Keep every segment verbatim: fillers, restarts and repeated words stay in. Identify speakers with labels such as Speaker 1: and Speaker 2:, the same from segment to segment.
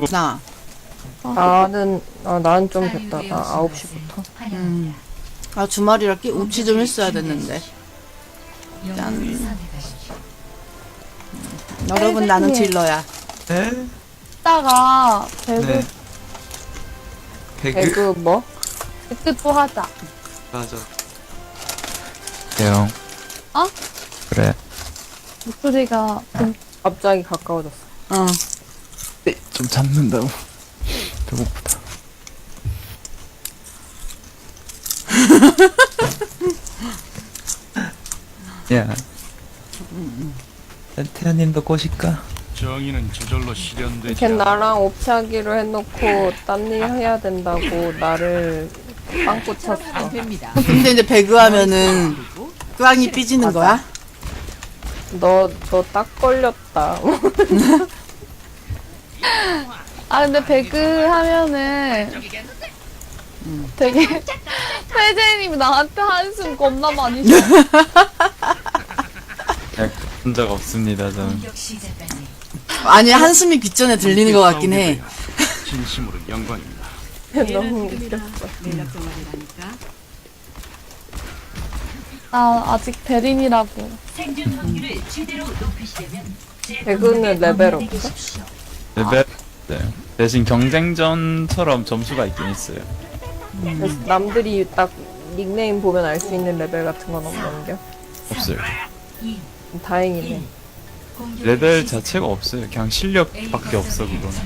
Speaker 1: 나.
Speaker 2: 나는 아, 나는 좀 됐다. 나 아홉 시부터.
Speaker 1: 음. 아 주말이라 끼 옵치 좀 했어야 됐는데. 짠. 음. 여러분 나는 딜러야.
Speaker 3: 네?
Speaker 4: 이따가 배그
Speaker 3: 네. 배그?
Speaker 2: 배그 뭐?
Speaker 4: 배그 또 하자.
Speaker 3: 맞아. 대형.
Speaker 4: 어?
Speaker 3: 그래.
Speaker 4: 목소리가 좀
Speaker 2: 갑자기 가까워졌어.
Speaker 1: 어.
Speaker 3: 네, 좀 잡는다고. 배고프다. 야. 태연님도 꼬실까?
Speaker 5: 정의는 저절로 실현되지
Speaker 2: 걔
Speaker 5: 않아.
Speaker 2: 나랑 옵치하기로 해놓고 딴 일 해야 된다고 나를 빵꾸 쳤어.
Speaker 1: 근데 이제 배그 하면은 꽝이 삐지는 거야?
Speaker 2: 너 너 딱 걸렸다.
Speaker 4: 아 근데 배그 하면은 되게 페제님이 나한테 한숨 겁나 많이 쉬어.
Speaker 3: 본 적 없습니다, 저는.
Speaker 1: 아니 한숨이 귓전에 들리는 것 같긴 해.
Speaker 5: 진심으로 영광입니다.
Speaker 2: 너무 웃겼어.
Speaker 4: 나 아직 대림이라고.
Speaker 2: 배그는 레벨 없어?
Speaker 3: 레벨, 네. 대신 경쟁전처럼 점수가 있긴 있어요.
Speaker 2: 그래서 남들이 딱 닉네임 보면 알 수 있는 레벨 같은 건 없는 게
Speaker 3: 없어요.
Speaker 2: 다행이네.
Speaker 3: 레벨 자체가 없어요. 그냥 실력밖에 없어, 그거는.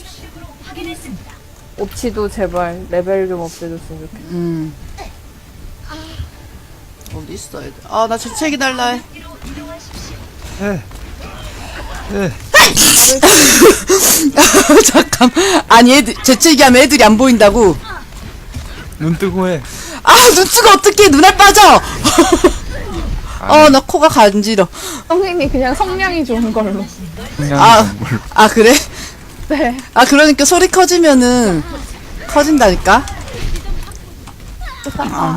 Speaker 2: 옵치도 제발 레벨 좀 없애줬으면 좋겠어.
Speaker 1: 음. 어디 있어 애들? 아나 재채기 달라 해.
Speaker 3: 네. 네.
Speaker 1: 잠깐. 아니 애들 재채기 하면 애들이 안 보인다고.
Speaker 3: 눈 뜨고 해.
Speaker 1: 아 눈뜨가 어떻게 눈알 빠져? 어 나 코가 간지러.
Speaker 4: 선생님 그냥 성량이 좋은 걸로.
Speaker 1: 아, 아 그래?
Speaker 4: 네.
Speaker 1: 아 그러니까 소리 커지면은 커진다니까. 아,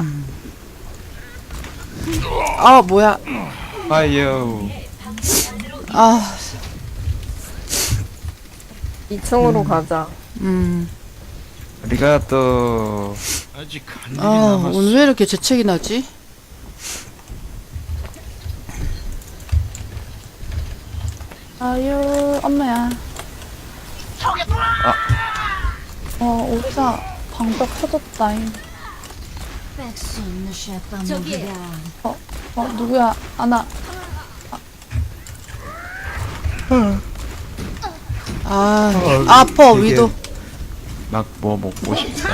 Speaker 1: 아 뭐야?
Speaker 3: 아유.
Speaker 1: 아,
Speaker 2: 이 층으로 가자.
Speaker 1: 음,
Speaker 3: 우리가 또
Speaker 5: 아직 한 일이
Speaker 1: 아
Speaker 5: 남았어.
Speaker 1: 오늘 왜 이렇게 재채기 나지?
Speaker 4: 아유 엄마야.
Speaker 3: 아.
Speaker 4: 어 오리사 방벽 터졌다잉.
Speaker 6: 저기
Speaker 4: 어, 어 누구야? 아나.
Speaker 1: 아, 아파
Speaker 3: 되게
Speaker 1: 위도.
Speaker 3: 막 뭐 먹고 싶다.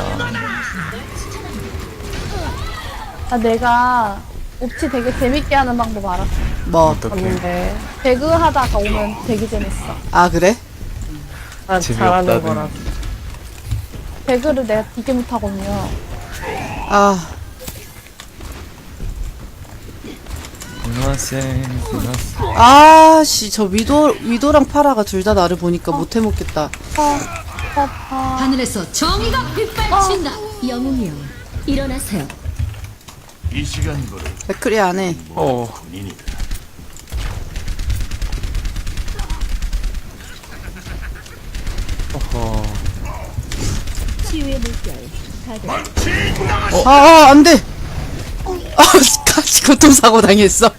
Speaker 4: 아 내가 옵치 되게 재밌게 하는 방법 알았어.
Speaker 1: 뭐?
Speaker 3: 어떻게?
Speaker 2: 봤는데
Speaker 4: 배그 하다가 오면 되게 재밌어.
Speaker 1: 아 그래?
Speaker 2: 난
Speaker 3: 재미없다는.
Speaker 2: 잘하는 거라.
Speaker 4: 배그를 내가 되게 못하거든요.
Speaker 1: 아,
Speaker 3: 고등학생, 고등학생.
Speaker 1: 아씨 저 위도 위도랑 파라가 둘 다 나를 보니까 못 해먹겠다.
Speaker 4: 아, 아, 아.
Speaker 6: 하늘에서 정의가 빗발친다. 영웅이여, 일어나세요.
Speaker 5: 이 시간 거를
Speaker 1: 백크리 안 해.
Speaker 3: 어.
Speaker 5: 군인이다.
Speaker 3: 어허.
Speaker 6: 치유의 물결.
Speaker 1: 아, 아, 안 돼! 아, 같이 교통사고 당했어.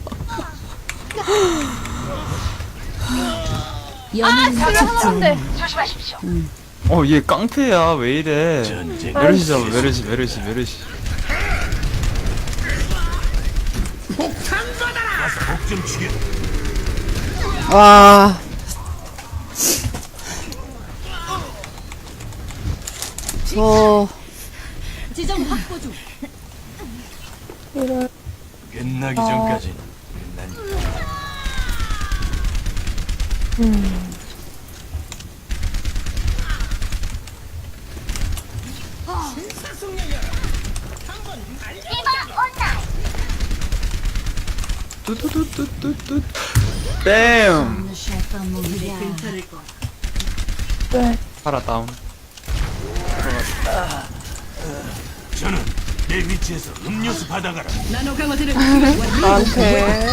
Speaker 6: 영웅은
Speaker 4: 하는데
Speaker 3: 어, 얘 깡패야. 왜 이래?
Speaker 5: 전쟁.
Speaker 3: 메르시 잡아, 메르시, 메르시, 메르시.
Speaker 5: 목좀 죽여.
Speaker 1: 와. 저,
Speaker 6: 지점 확보 중.
Speaker 4: 이럴
Speaker 5: 끝나기 전까지 난
Speaker 3: 뚜뚜뚜뚜뚜뚜. 뺨!
Speaker 4: 네.
Speaker 3: 파라 다운.
Speaker 5: 저는 내 위치에서 음료수 받아가라.
Speaker 2: 나한테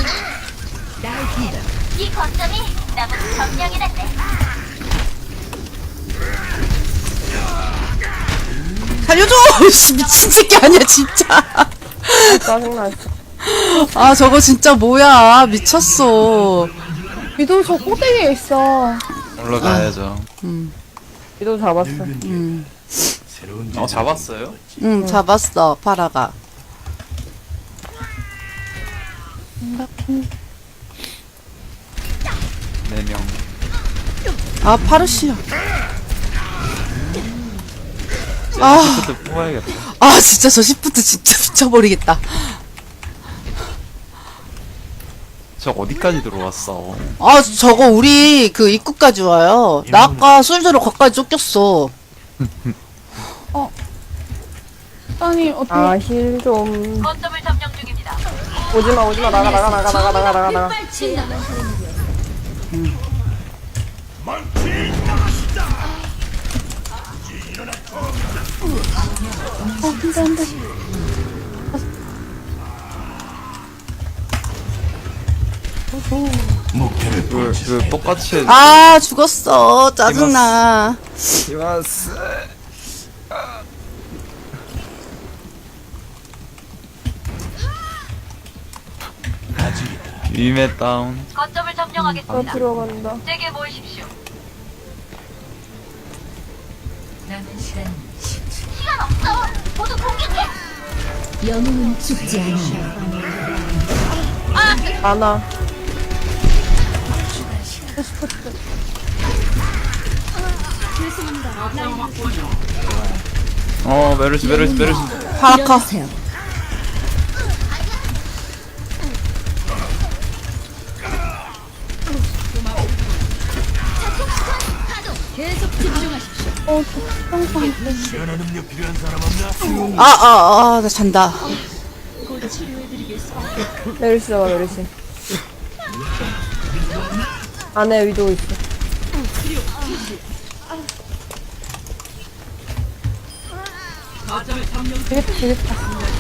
Speaker 7: 이 거점이 남은 점령이란데.
Speaker 1: 살려줘! 씨, 미친 새끼 아니야, 진짜.
Speaker 2: 짜증나.
Speaker 1: 아, 저거 진짜 뭐야. 미쳤어.
Speaker 4: 위도 저 꼭대기에 있어.
Speaker 3: 올라가야죠.
Speaker 2: 위도 잡았어.
Speaker 1: 음.
Speaker 5: 새로운
Speaker 3: 어, 잡았어요?
Speaker 1: 응, 잡았어, 파라가.
Speaker 3: 네 명.
Speaker 1: 아, 파르시야. 아,
Speaker 3: 그때 뽑아야겠다.
Speaker 1: 아, 진짜 저 시프트 진짜 미쳐버리겠다.
Speaker 3: 저 어디까지 들어왔어?
Speaker 1: 아, 저거 우리 그 입구까지 와요. 나 아까 술주로 거기까지 쫓겼어.
Speaker 4: 아니, 어떻게.
Speaker 2: 아, 힐 좀.
Speaker 6: 거점을 점령 중입니다.
Speaker 2: 오지마, 오지마. 나가, 나가, 나가, 나가, 나가, 나가, 나가.
Speaker 6: 빗발친다.
Speaker 4: 어, 근데, 근데.
Speaker 5: 목표를
Speaker 3: 그,
Speaker 5: 포착.
Speaker 3: 그 똑같이
Speaker 1: 아, 죽었어. 짜증나.
Speaker 3: 이마스. 위메 다운.
Speaker 6: 거점을
Speaker 2: 나
Speaker 6: 점령하겠습니다.
Speaker 2: 들어간다.
Speaker 6: 제게 모이십시오. 영웅은 죽지 않아.
Speaker 2: 아나.
Speaker 3: 어, 메르시, 메르시, 메르시.
Speaker 1: 파라카.
Speaker 6: 일어나세요. 계속 집중하십시오.
Speaker 4: 어, 저 평상.
Speaker 5: 시원한 음료 필요한 사람 없나?
Speaker 1: 아, 아, 아, 나 잔다.
Speaker 2: 메르시 잡아, 메르시. 안에 위도 있어.
Speaker 4: 되겠다, 되겠다.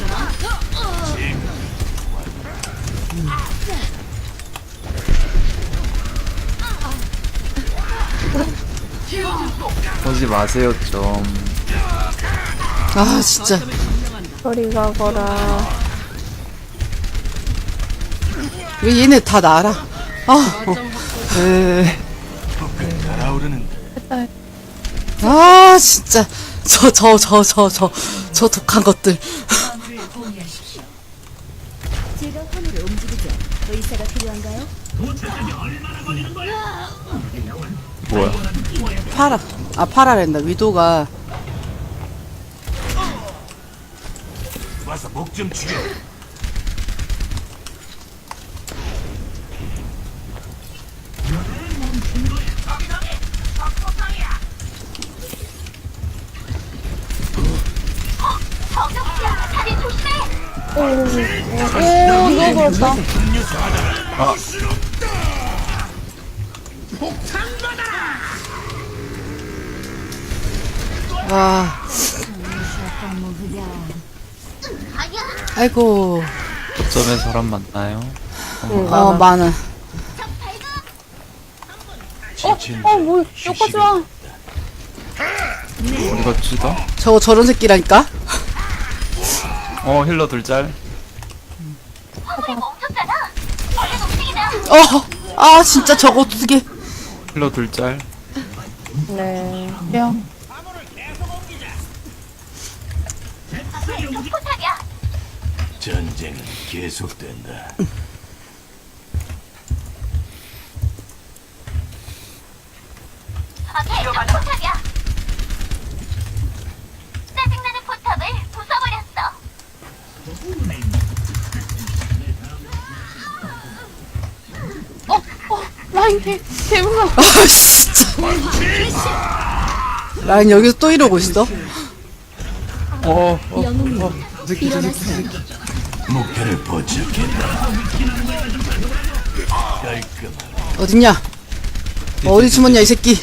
Speaker 3: 보지 마세요, 좀.
Speaker 1: 아, 진짜.
Speaker 2: 저리 가거라.
Speaker 1: 왜 얘네 다 나라. 아, 어.
Speaker 3: 에
Speaker 5: 달아오르는
Speaker 1: 아, 진짜. 저, 저, 저, 저, 저, 저 독한 것들.
Speaker 6: 제가 화물을 움직이죠. 의사가 필요한가요?
Speaker 3: 뭐야?
Speaker 1: 파라. 아, 파라랜다. 위도가.
Speaker 5: 와서 목 좀 죽여.
Speaker 4: 오, 이거 그렇다.
Speaker 5: 음료수 받아라.
Speaker 1: 와. 아이고.
Speaker 3: 어쩌면 사람 만나요?
Speaker 2: 응,
Speaker 1: 어,
Speaker 2: 많아.
Speaker 1: 많아.
Speaker 5: 지친
Speaker 4: 어, 뭐, 여기까지 와.
Speaker 3: 어디가 쥐다?
Speaker 1: 저거 저런 새끼라니까?
Speaker 3: 어, 힐러 둘짤.
Speaker 1: 어, 아, 진짜 저거 두 개.
Speaker 3: 힐러 둘짤.
Speaker 2: 네.
Speaker 4: 야,
Speaker 5: 전쟁은 계속된다.
Speaker 7: 짜증나는 포탑을 부숴버렸어.
Speaker 4: 라인 개, 개 무서워.
Speaker 1: 아, 진짜. 라인 여기서 또 이러고 있어?
Speaker 3: 어, 어,
Speaker 6: 영웅이
Speaker 3: 어. 저 새끼, 저 새끼, 저
Speaker 6: 일어나세요.
Speaker 3: 새끼.
Speaker 5: 목표를 포착했다. 깔끔하게.
Speaker 1: 어딨냐? 어디 숨었냐, 이 새끼.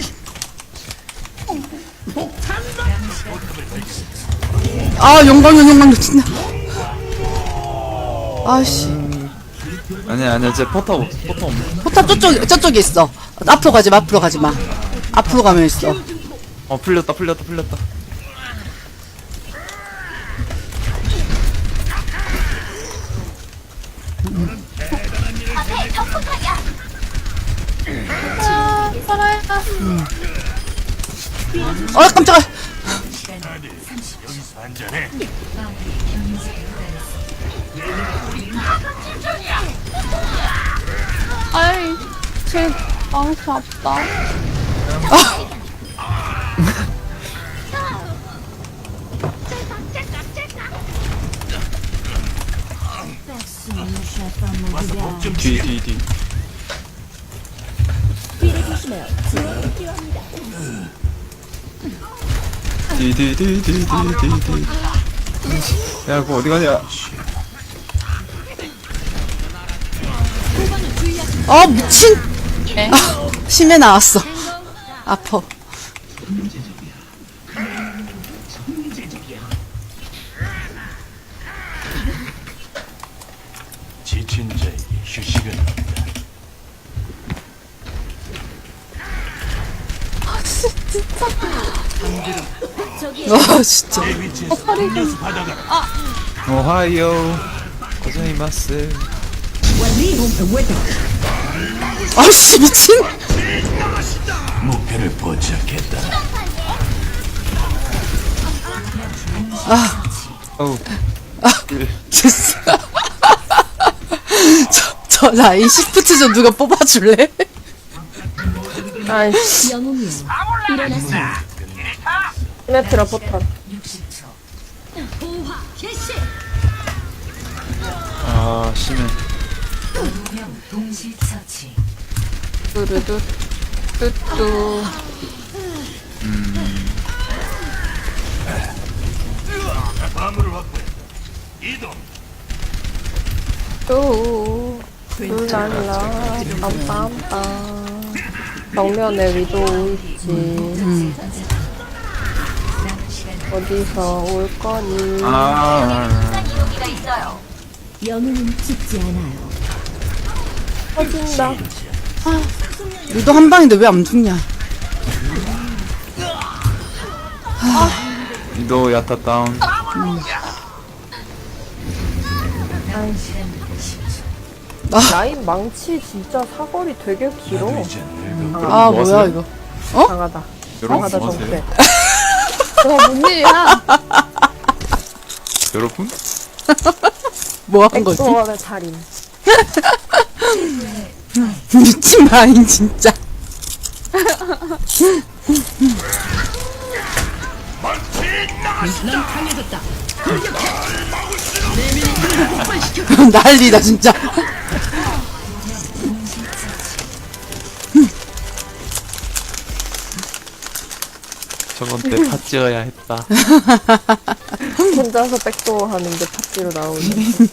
Speaker 1: 아, 영광용, 영광용, 진짜. 아씨.
Speaker 3: 아니야, 아니야, 제 포탑 없어, 포탑 없네.
Speaker 1: 포탑 저쪽, 저쪽에 있어. 앞으로 가지 마, 앞으로 가지 마. 앞으로 가면 있어.
Speaker 3: 어, 풀렸다, 풀렸다, 풀렸다.
Speaker 7: 앞에 적포탑이야.
Speaker 4: 아, 살아야.
Speaker 1: 어 깜짝아.
Speaker 5: 여기서 한잔해.
Speaker 4: 아이, 제 망치 아프다.
Speaker 3: 뒤, 뒤, 뒤.
Speaker 6: 뒤를 조심해요. 지원이 필요합니다.
Speaker 3: 뒤, 뒤, 뒤, 뒤, 뒤, 뒤, 뒤. 야, 그거 어디 가냐?
Speaker 1: 어 미친. 아 심해 나왔어. 아파.
Speaker 5: 지친 자에게 휴식은 없다.
Speaker 1: 와 진짜.
Speaker 5: 내 위치에서 음료수 받아가라.
Speaker 3: 오하이오. 고자이마스.
Speaker 1: 아씨 미친.
Speaker 5: 목표를 포착했다.
Speaker 3: 어우.
Speaker 1: 됐어. 저, 저 라인 시프트 좀 누가 뽑아줄래?
Speaker 2: 아이씨.
Speaker 6: 영웅이요. 일어나세요.
Speaker 2: 시메트라 포탄.
Speaker 6: 호화 개시.
Speaker 3: 아, 심해.
Speaker 2: 뚜루뚜. 뚜뚜.
Speaker 5: 마음을 확보해. 이동.
Speaker 2: 뚜. 뚜랄라. 빰빰빰. 정면에 위도 있지. 어디서 올 거니?
Speaker 3: 아,
Speaker 7: 순간 이동기가 있어요.
Speaker 6: 영웅은 죽지 않아요.
Speaker 2: 터진다.
Speaker 1: 유도 한 방인데 왜 안 죽냐?
Speaker 3: 위도 야타 다운.
Speaker 2: 라인 망치 진짜 사거리 되게 길어.
Speaker 5: 이제 늙어.
Speaker 1: 아
Speaker 3: 뭐
Speaker 1: 뭐야
Speaker 3: 하세요?
Speaker 1: 이거?
Speaker 2: 강하다.
Speaker 3: 여러분
Speaker 2: 강하다
Speaker 3: 뭐
Speaker 2: 정패.
Speaker 3: 하세요?
Speaker 4: 와, 뭔 일이야?
Speaker 3: 여러분?
Speaker 1: 뭐 한 거지?
Speaker 2: 백도어의 달인.
Speaker 1: 미친 라인 진짜. 난리다 진짜.
Speaker 3: 저건 때 팥찌어야 했다.
Speaker 2: 혼자서 백도어 하는데 팟지로 나오네.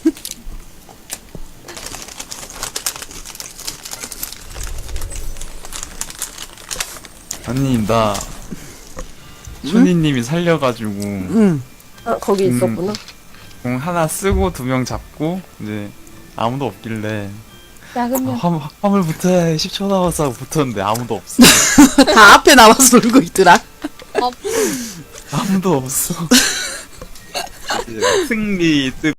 Speaker 3: 아니, 나, 춘희님이 살려가지고,
Speaker 1: 응.
Speaker 2: 아, 거기
Speaker 3: 음.
Speaker 2: 있었구나.
Speaker 3: 공 하나 쓰고 두 명 잡고, 이제, 아무도 없길래,
Speaker 4: 야,
Speaker 3: 아,
Speaker 4: 그러면
Speaker 3: 화물, 화물 붙어야 해. 십 초 남았어 하고 붙었는데 아무도 없어.
Speaker 1: 다 앞에 나와서 놀고 있더라.
Speaker 3: 아무도 없어. 이제 승리 뜨